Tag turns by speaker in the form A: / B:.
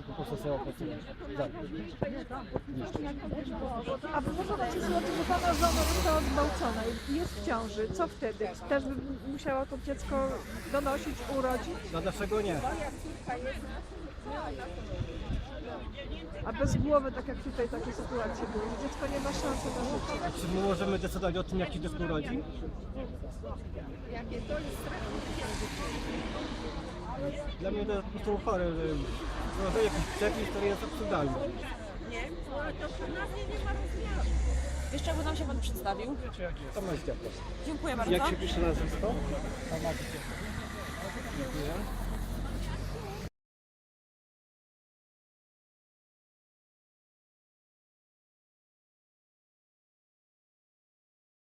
A: po prostu sobie opracuję.
B: A można powiedzieć o tym, że pana żona została zgwałcona i jest w ciąży. Co wtedy? Też by musiało to dziecko donosić, urodzić?
A: No dlaczego nie?
B: A bez głowy, tak jak tutaj takie sytuacje były, że dziecko nie ma szansy na życie.
A: Czy my możemy decydować o tym, jak się dziecko urodzi? Dla mnie to jest po prostu chore, że wprowadza jakiś przepis, który jest absurdalny.
C: Jeszcze jakby nam się pan przedstawił.
A: Tomasz Dziadek.
C: Dziękuję bardzo.
D: Jak się pisze nazwisko?
A: Dziękuję.